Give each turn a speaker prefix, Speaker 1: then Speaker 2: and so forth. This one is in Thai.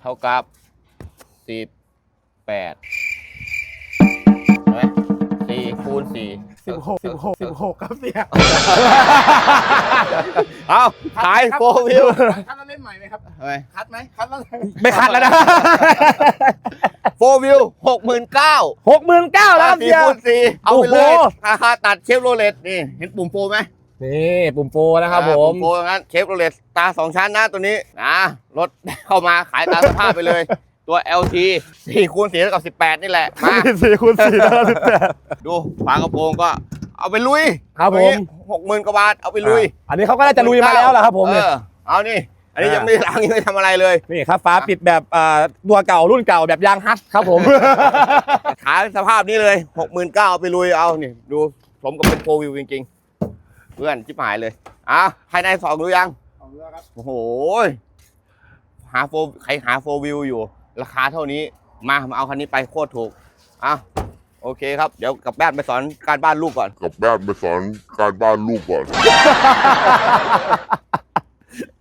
Speaker 1: เท่ากับ18ใช่ไหม4 คูณ 4
Speaker 2: 16ครับเสีย
Speaker 1: เอาขายโฟวิว
Speaker 2: คัดแล้วเล่นใหม่ไหมครับ
Speaker 1: ทำไม
Speaker 2: คัดไหมคัดแล้ว
Speaker 3: ไม่คัดแล้วนะ
Speaker 1: โฟวิว69,000
Speaker 3: 69,000แล้วครับ
Speaker 1: 4
Speaker 3: เสีย
Speaker 1: คูณ 4เอาไปเลย
Speaker 3: โอ้โห
Speaker 1: ราคาตัดเชฟโรเลตนี่เห็นปุ่มโฟไหม
Speaker 3: นี่ปุ่มโฟนะครับผม
Speaker 1: ปุ่มโฟงั้นเชฟโรเลตตา2 ชั้นนะตัวนี้นะรถเข้ามาขายตามสภาพไปเลย ตัว LT 4 คูณ 4 เท่ากับ 18 นี่แหละมา
Speaker 3: 4 คูณ 4แล้วก็18
Speaker 1: ดูฝากระโปรงก็เอาไปลุย
Speaker 3: ครับผม
Speaker 1: 60,000 กว่าบาทเอาไปลุย
Speaker 3: อันนี้เขาก็น่าจะลุยมาแล้วล่ะครับผมเนี่ย
Speaker 1: เอานี่ อันนี้ยังไม่ล้างยังไม่ทำอะไรเลย
Speaker 3: นี่ครับฟ้าปิดแบบตัวเก่ารุ่นเก่าแบบยางฮัทครับผม
Speaker 1: ขายสภาพนี้เลย69,000เอาไปลุยเอานี่ดูสมกับเป็นโฟวิวจริงๆเพื่อนชิบหายเลยภายใน2ดูยัง
Speaker 2: ของเรือครับ
Speaker 1: โอ้โหใครหาโฟวิวอยู่ราคาเท่านี้มาเอาคันนี้ไปโคตรถูกโอเคครับเดี๋ยวกลับบ้านไปสอนการบ้านลูกก่อน
Speaker 4: กลับบ้านไปสอนการบ้านลูกก่อน